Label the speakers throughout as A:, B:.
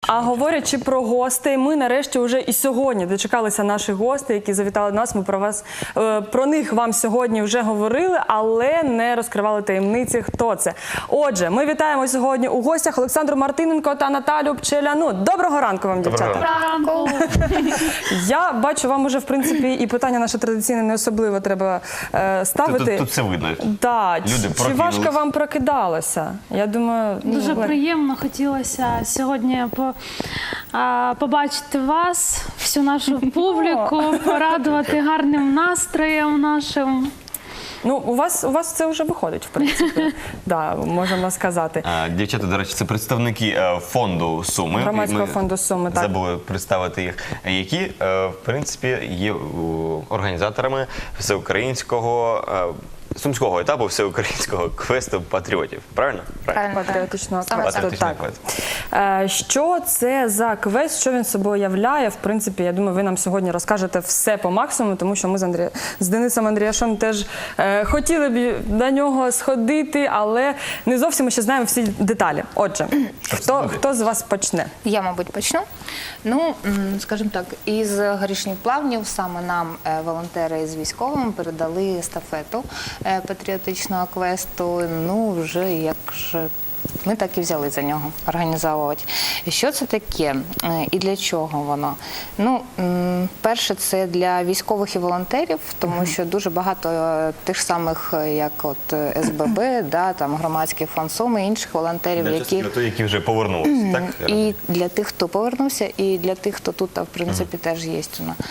A: А говорячи про гостей, ми нарешті вже і сьогодні дочекалися наших гостей, які завітали до нас. Ми про них вам сьогодні вже говорили, але не розкривали таємниці, хто це. Отже, ми вітаємо сьогодні у гостях Олександру Мартиненко та Наталю Пчеляну. Доброго ранку вам, дівчата.
B: Доброго ранку.
A: Я бачу, вам уже, в принципі, і питання наше традиційне не особливо треба ставити.
C: Тут все видно.
A: Да. Чи важко вам прокидалося? Я думаю,
B: Дуже приємно. Хотілося сьогодні побачити вас, всю нашу публіку, порадувати гарним настроєм нашим.
A: Ну, у вас це вже виходить, в принципі, да, можемо сказати.
C: Дівчата, до речі, це представники фонду Суми.
A: Громадського фонду Суми, так.
C: Забули представити їх, які, в принципі, є організаторами всеукраїнського, сумського етапу всеукраїнського квесту патріотів. Правильно?
A: Патріотичного квесту,
C: Патріотичного
A: так.
C: квесту.
A: Що це за квест, що він собою являє? В принципі, я думаю, ви нам сьогодні розкажете все по максимуму, тому що ми з Денисом Андріашем теж хотіли б на нього сходити, але не зовсім ми ще знаємо всі деталі. Отже, хто з вас почне?
D: Я, мабуть, почну. Ну, скажімо так, із Горішніх Плавнів саме нам волонтери з військовими передали естафету патріотичного квесту. Ну, вже як же ми так і взяли за нього організовувати. Що це таке і для чого воно? Ну, перше, це для військових і волонтерів, тому що дуже багато тих самих, як от СББ, да, там Громадський фонд Суми, інших волонтерів,
C: які вже повернулися, так?
D: І для тих, хто повернувся, і для тих, хто тут, в принципі, теж є.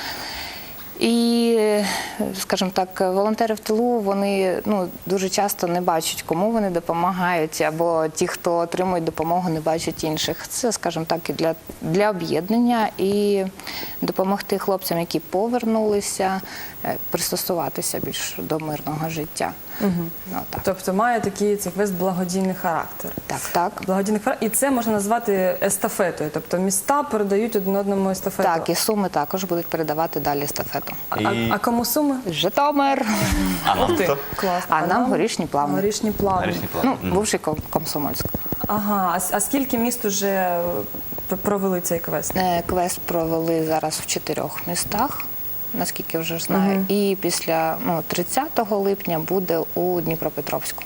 D: І, скажімо так, волонтери в тилу, вони дуже часто не бачать, кому вони допомагають, або ті, хто отримують допомогу, не бачать інших. Це, скажімо так, і для об'єднання, і допомогти хлопцям, які повернулися, пристосуватися більш до мирного життя.
A: Тобто має такий цей квест благодійний характер.
D: Так.
A: Благодійний характер. І це можна назвати естафетою. Тобто міста передають один одному естафету.
D: Так, і Суми також будуть передавати далі естафету.
A: А кому Суми?
D: Житомир.
C: А нам хто?
A: Клас.
D: А нам Горішні Плавні.
A: Горішні Плавні.
D: Бувший Комсомольськ.
A: Ага, а скільки міст вже провели цей квест?
D: Квест провели зараз в 4 містах, наскільки вже знаю. І після 30 липня буде у Дніпропетровську.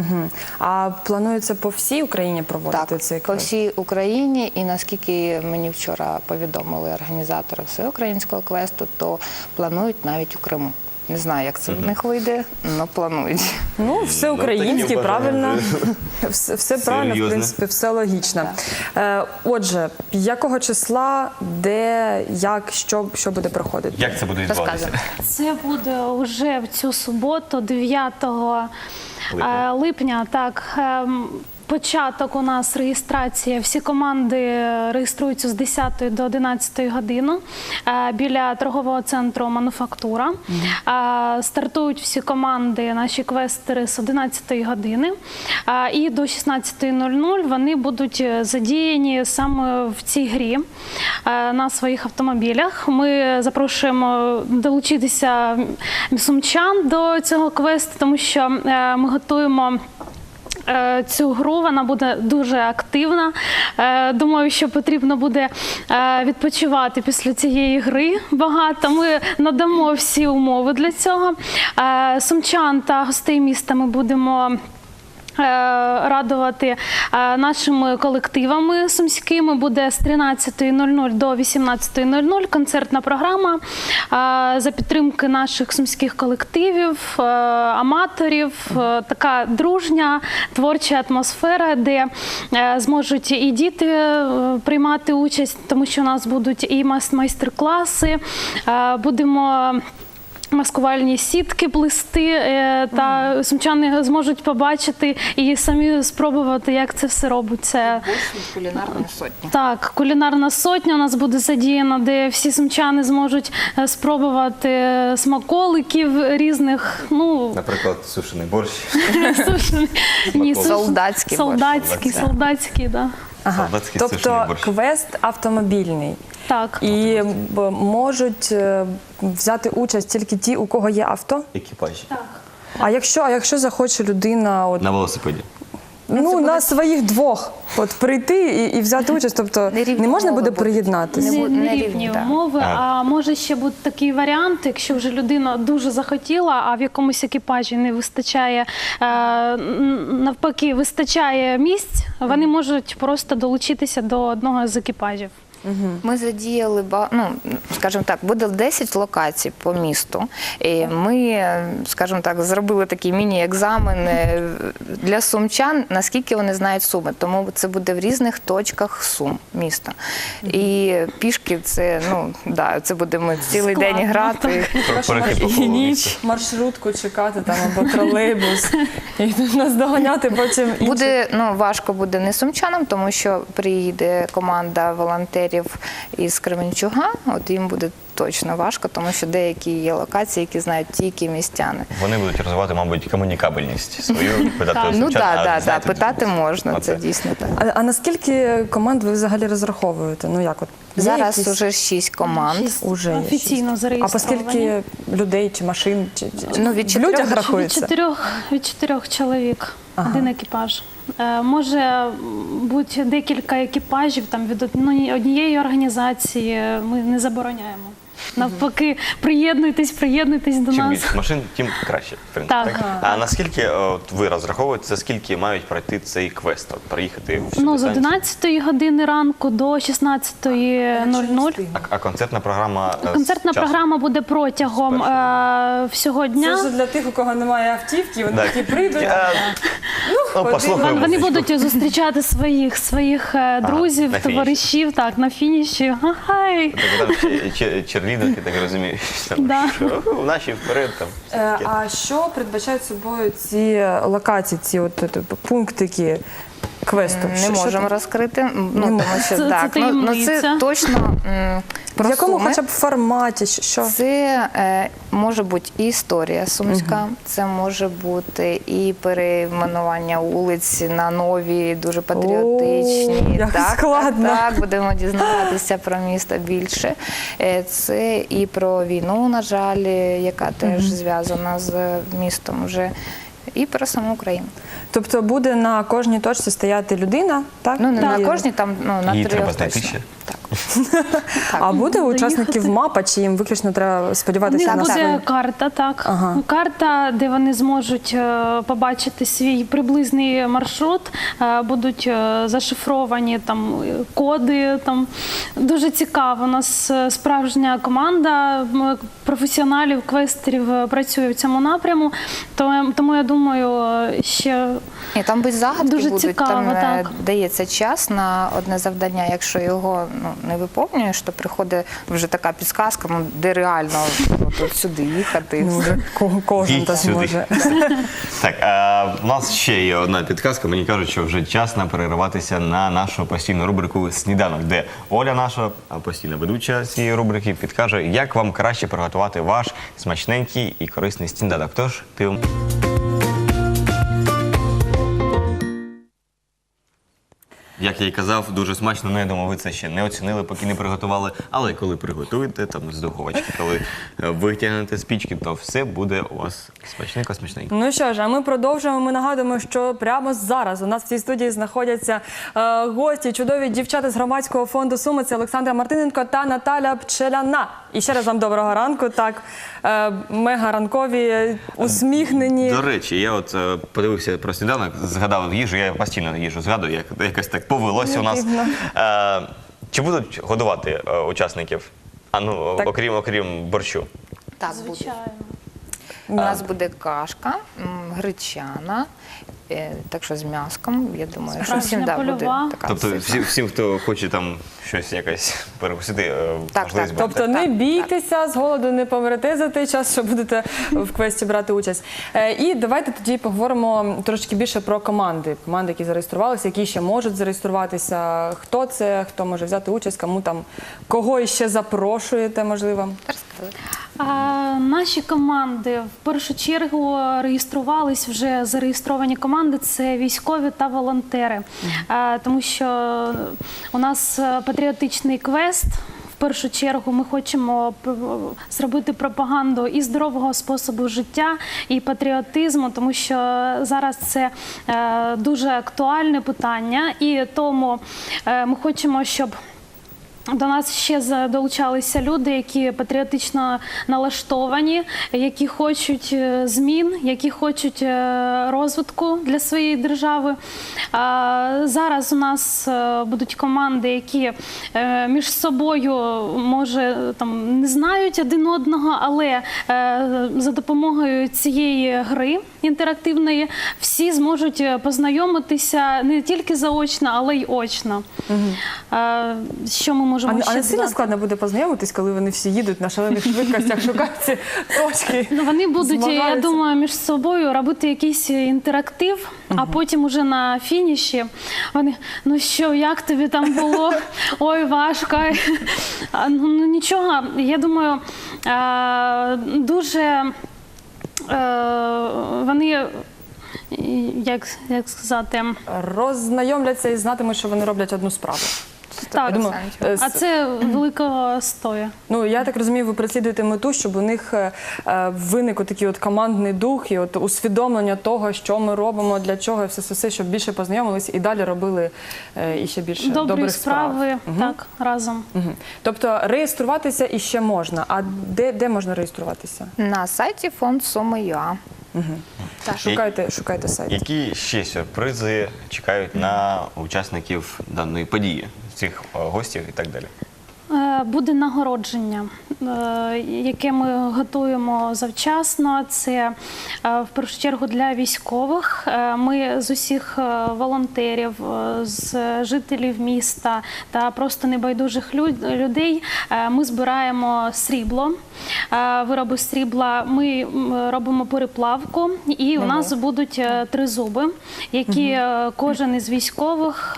A: А планується по всій Україні проводити цей квест?
D: Так, по всій Україні. І наскільки мені вчора повідомили організатори всеукраїнського квесту, то планують навіть у Криму. Не знаю, як це в них вийде, але планують.
A: Ну, все українське, правильно. Все правильно, в принципі, все логічно. Отже, якого числа, де, як, що буде проходити?
C: Як це буде відбуватися?
B: Це буде вже в цю суботу, 9 липня, так. Початок у нас реєстрація. Всі команди реєструються з 10 до 11 години біля торгового центру «Мануфактура». Стартують всі команди, наші квестери, з 11 години. І до 16:00 вони будуть задіяні саме в цій грі на своїх автомобілях. Ми запрошуємо долучитися сумчан до цього квесту, тому що ми готуємо цю гру, вона буде дуже активна. Думаю, що потрібно буде відпочивати після цієї гри багато. Ми надамо всі умови для цього. Сумчан та гостей міста ми будемо радувати нашими колективами сумськими. Буде з 13:00 до 18:00 концертна програма за підтримки наших сумських колективів, аматорів. Така дружня, творча атмосфера, де зможуть і діти приймати участь, тому що у нас будуть і майстер-класи, будемо маскувальні сітки плести, та сумчани зможуть побачити і самі спробувати, як це все робиться.
D: Кулінарна сотня.
B: Так, кулінарна сотня у нас буде задіяна, де всі сумчани зможуть спробувати смаколиків різних.
C: Наприклад, сушений борщ.
B: Солдатський, так.
A: Ага. Тобто квест автомобільний.
B: Так.
A: І можуть взяти участь тільки ті, у кого є авто?
C: Екіпажі.
B: Так.
A: А якщо захоче людина...
C: На велосипеді.
A: на своїх двох от прийти і взяти участь, тобто
D: Нерівні
A: не можна
D: умови
A: буде
D: будуть.
A: приєднатися?
D: Не
B: Нерівні
D: рівні, так.
B: умови. А може ще бути такий варіант, якщо вже людина дуже захотіла, а в якомусь екіпажі не вистачає, навпаки, вистачає місць, вони можуть просто долучитися до одного з екіпажів.
D: Ми задіяли, скажімо так, буде 10 локацій по місту. І ми, скажімо так, зробили такий міні-екзамен для сумчан, наскільки вони знають Суми. Тому це буде в різних точках Сум міста. І пішки це будемо цілий день
B: Складно.
D: грати.
C: Перехід по колу міста.
A: Маршрутку чекати там або тролейбус і нас доганяти потім інші.
D: Буде важко буде не сумчанам, тому що приїде команда волонтерів із Кременчуга. От їм буде точно важко, тому що деякі є локації, які знають тільки містяни.
C: Вони будуть розвивати, мабуть, комунікабельність свою, питати у
D: Ну
C: сумчан, а
D: так,
C: знаєте,
D: питати можна,
C: оце.
D: це дійсно так.
A: А наскільки команд ви взагалі розраховуєте? Ну як от є
D: Зараз
A: якісь?
D: уже 6 команд.
A: Уже є
B: Офіційно
A: шість. А
B: зареєстровані.
A: по скільки людей чи машин?
D: Від
A: В
D: 4
A: людях
D: до
A: рахується?
B: Від 4 чоловік, один екіпаж. Може бути декілька екіпажів там, від однієї організації, ми не забороняємо. Навпаки, приєднуйтесь до
C: Чим
B: нас.
C: більше машин, тим краще. В принципі,
B: Так.
C: А наскільки ви розраховуєте, за скільки мають пройти цей квест? От, приїхати в всю
B: З
C: дистанцію?
B: 11 години ранку до 16:00.
C: А концертна програма?
B: Концертна програма буде протягом всього
A: Це
B: дня.
A: вже для тих, у кого немає автівки, вони
C: Так.
A: такі прийдуть.
C: Послухаємо.
B: Вони будуть зустрічати своїх друзів,
C: на фініші.
B: товаришів, так, на фініші. Хай!
C: Так, там черлідерки, так розумію, там,
B: Да.
C: що наші вперед там. все таке.
A: А що передбачають собою ці локації, ці пунктики квесту?
D: Не можемо розкрити, тому що
B: Це
D: так, це
B: таємниця.
D: точно
A: В якому
D: Суми.
A: хоча б форматі? Що?
D: Це може бути і історія сумська, це може бути і перейменування вулиць на нові, дуже патріотичні.
A: О, як складно.
D: Так, будемо дізнаватися про місто більше. Це і про війну, на жаль, яка теж зв'язана з містом вже, і про саму Україну.
A: Тобто буде на кожній точці стояти людина, так?
D: Ну, не
A: І-
D: на кожній, там на
C: Її
D: 3
C: треба знайти
D: точно.
C: ще.
D: Так.
A: А буде у
B: Доїхати.
A: учасників мапа, чи їм виключно треба
B: У них
A: сподіватися на
B: буде
A: свої?
B: карта, так.
A: Ага.
B: Карта, де вони зможуть побачити свій приблизний маршрут, будуть зашифровані там коди. Там дуже цікаво. У нас справжня команда професіоналів, квестерів працює в цьому напряму. Тому я думаю, ще
D: Ні, там без загадки
B: Дуже
D: будуть,
B: цікаво,
D: там
B: так.
D: дається час на одне завдання. Якщо його не виповнюєш, то приходить вже така підсказка, де реально от сюди їхати. І все.
A: Кожен
C: Їдь
A: так
C: сюди.
A: може.
C: Так, у нас ще є одна підказка. Мені кажуть, що вже час нам перериватися на нашу постійну рубрику «Сніданок», де Оля, наша постійна ведуча цієї рубрики, підкаже, як вам краще приготувати ваш смачненький і корисний сніданок. Тож, ти... Як я й казав, дуже смачно, я думаю, ви це ще не оцінили, поки не приготували. Але коли приготуєте там з духовочки, коли витягнете з пічки, то все буде у вас смачненько-смачненько.
A: Ну що ж, а ми продовжуємо. Ми нагадуємо, що прямо зараз у нас в цій студії знаходяться гості, чудові дівчата з громадського фонду Суми. Це Олександра Мартиненко та Наталя Пчеляна. І ще раз вам доброго ранку. Так, мега ранкові, усміхнені.
C: До речі, я от подивився про сніданок, згадав їжу, я постійно їжу згадую, як якось так повелося у нас. Чи будуть годувати учасників?
A: Так.
C: Окрім борщу?
D: Так, буде.
B: звичайно.
D: У нас буде кашка, гречана, так що з м'яском, я думаю, що
B: Справжня
D: всім буде
B: польова.
D: така
C: Тобто
D: ситна.
C: всім, хто хоче там щось якось перекусити,
D: Так,
C: можливість
D: так.
C: буде.
A: Тобто не
D: Так,
A: бійтеся, з голоду не помрете за той час, що будете в квесті брати участь. І давайте тоді поговоримо трошки більше про команди. Команди, які зареєструвалися, які ще можуть зареєструватися. Хто це, хто може взяти участь, кому там, кого іще запрошуєте, можливо.
B: Наші команди в першу чергу реєструвались вже зареєстровані команди. Це військові та волонтери, тому що у нас патріотичний квест. В першу чергу ми хочемо зробити пропаганду і здорового способу життя, і патріотизму, тому що зараз це дуже актуальне питання, і тому ми хочемо, щоб до нас ще долучалися люди, які патріотично налаштовані, які хочуть змін, які хочуть розвитку для своєї держави. Зараз у нас будуть команди, які між собою, може, там, не знають один одного, але за допомогою цієї гри інтерактивної всі зможуть познайомитися не тільки заочно, але й очно. Що ми можемо ще
A: А не сильно
B: додати?
A: складно буде познайомитись, коли вони всі їдуть на шалених швидкостях, шукають ці точки?
B: Ну, вони будуть, я
A: змагаються?
B: думаю, між собою робити якийсь інтерактив, а потім уже на фініші вони, ну що, як тобі там було? Ой, важко. Ну, нічого, я думаю, дуже вони, як сказати,
A: Роззнайомляться і знатимуть, що вони роблять одну справу.
B: так,
A: Я думаю,
B: а це великого стою.
A: Ну, я так розумію, ви переслідуєте мету, щоб у них виник такий от командний дух і от усвідомлення того, що ми робимо, для чого, і все, щоб більше познайомилися і далі робили іще більше
B: Добрі
A: добрих справ.
B: справи, так, разом.
A: Мгм. Тобто реєструватися іще можна. А де можна реєструватися?
D: На сайті фонд Суми.ua.
A: Шукайте сайт.
C: Які ще сюрпризи чекають на учасників даної події, цих гостів і так далі?
B: Буде нагородження, яке ми готуємо завчасно. Це в першу чергу для військових. Ми з усіх волонтерів, з жителів міста та просто небайдужих людей ми збираємо срібло, вироби срібла. Ми робимо переплавку, і у нас будуть тризуби, які кожен із військових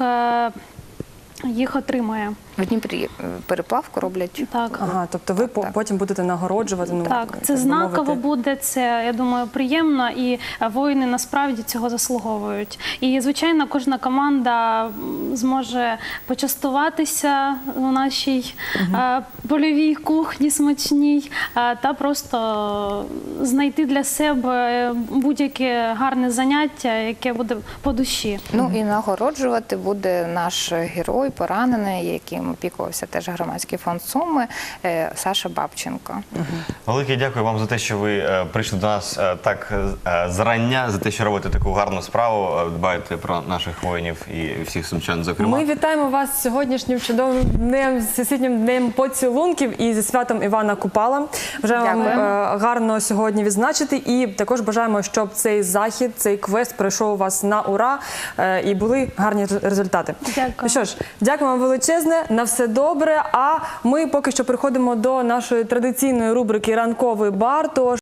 B: їх отримає.
D: В Дніпрі переплавку роблять.
B: Так.
A: Ага, тобто ви потім будете нагороджувати. Ну,
B: Так, це
A: би
B: знаково
A: мовити.
B: буде, це, я думаю, приємно, і воїни насправді цього заслуговують. І, звичайно, кожна команда зможе почастуватися у нашій польовій кухні смачній та просто знайти для себе будь-яке гарне заняття, яке буде по душі.
D: Ну і нагороджувати буде наш герой, поранений, яким опікувався теж громадський фонд Суми, Саша Бабченко.
C: Велике дякую вам за те, що ви прийшли до нас так зрання, за те, що робите таку гарну справу, дбаєте про наших воїнів і всіх сумчан, зокрема.
A: Ми вітаємо вас з сьогоднішнім чудовим днем, з Всесвітнім днем поцілунків і зі святом Івана Купала. Бажаємо вам
D: Дякуємо.
A: гарно сьогодні відзначити і також бажаємо, щоб цей захід, цей квест пройшов у вас на ура і були гарні результати.
B: Дякую.
A: Ну що ж, дякую вам величезне, на все добре, а ми поки що переходимо до нашої традиційної рубрики «Ранковий бар». Тож